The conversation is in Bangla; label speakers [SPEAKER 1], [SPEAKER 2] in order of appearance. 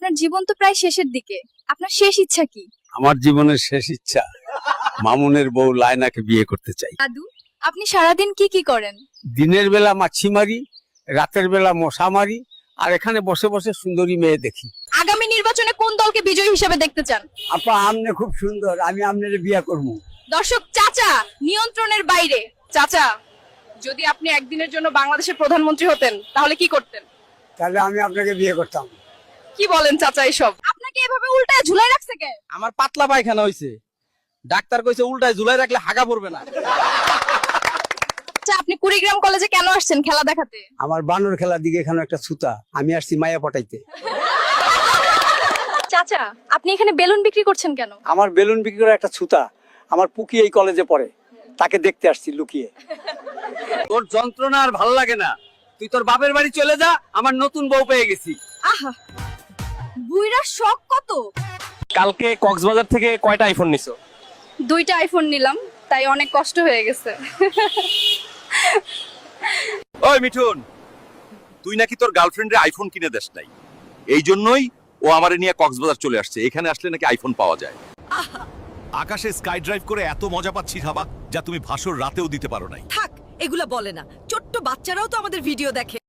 [SPEAKER 1] আপনার জীবন তো প্রায় শেষের দিকে, আপনার শেষ ইচ্ছা কি?
[SPEAKER 2] আমার জীবনের শেষ ইচ্ছা মামুনের বউ লায়নাকে বিয়ে করতে চাই।
[SPEAKER 1] দাদু, আপনি সারাদিন কি কি করেন?
[SPEAKER 2] দিনের বেলা মাছি মারি, রাতের বেলা মশা মারি, আর এখানে বসে বসে সুন্দরী মেয়ে দেখি।
[SPEAKER 1] আগামী নির্বাচনে কোন দলকে বিজয়ী হিসেবে দেখতে চান?
[SPEAKER 2] আপা আমনে খুব সুন্দর, আমি আমনের বিয়ে করবো।
[SPEAKER 1] দর্শক, চাচা নিয়ন্ত্রণের বাইরে। চাচা, যদি আপনি একদিনের জন্য বাংলাদেশের প্রধানমন্ত্রী হতেন তাহলে কি করতেন?
[SPEAKER 2] তাহলে আমি আপনাকে বিয়ে করতাম।
[SPEAKER 1] কি বলেন চাচা এসব? আপনাকে এভাবে উল্টায় ঝুলাই রাখছে কে?
[SPEAKER 3] আমার পাতলা পায়খানা হইছে, ডাক্তার কইছে উল্টায় ঝুলাই রাখলে হাগা পড়বে না।
[SPEAKER 1] আচ্ছা, আপনি কুড়িগ্রাম কলেজে কেন আসছেন খেলা দেখাতে?
[SPEAKER 2] আমার বানর খেলার দিকে এখানে একটা ছুতা, আমি আসছি মায়া পটাইতে।
[SPEAKER 1] চাচা, আপনি এখানে বেলুন বিক্রি করছেন কেন?
[SPEAKER 2] আমার বেলুন বিক্রি করা একটা ছুতা, আমার পুকি এই কলেজে পড়ে, তাকে দেখতে আসছি লুকিয়ে। তোর যন্ত্রণা আর ভালো লাগে না, তুই তোর বাপের বাড়ি চলে যা, আমার নতুন বউ পেয়ে গেছি।
[SPEAKER 1] আহা, বুইড়ার শখ কত!
[SPEAKER 3] কালকে কক্সবাজার থেকে কয়টা আইফোন নিছো?
[SPEAKER 1] 2টা আইফোন নিলাম, তাই অনেক কষ্ট হয়ে গেছে।
[SPEAKER 4] ওই মিঠুন, তুই নাকি তোর গার্লফ্রেন্ডের আইফোন কিনে দেস নাই, এই জন্যই ও আমারে নিয়ে কক্সবাজার চলে আসছে। এখানে আসলে নাকি আইফোন পাওয়া যায়।
[SPEAKER 5] আকাশে স্কাই ড্রাইভ করে এত মজা পাচ্ছি ভাবা, যা তুমি ভাসর রাতেও দিতে পারো নাই।
[SPEAKER 6] থাক, এগুলা বলে না। ছোট্ট বাচ্চারাও তো আমাদের ভিডিও দেখে।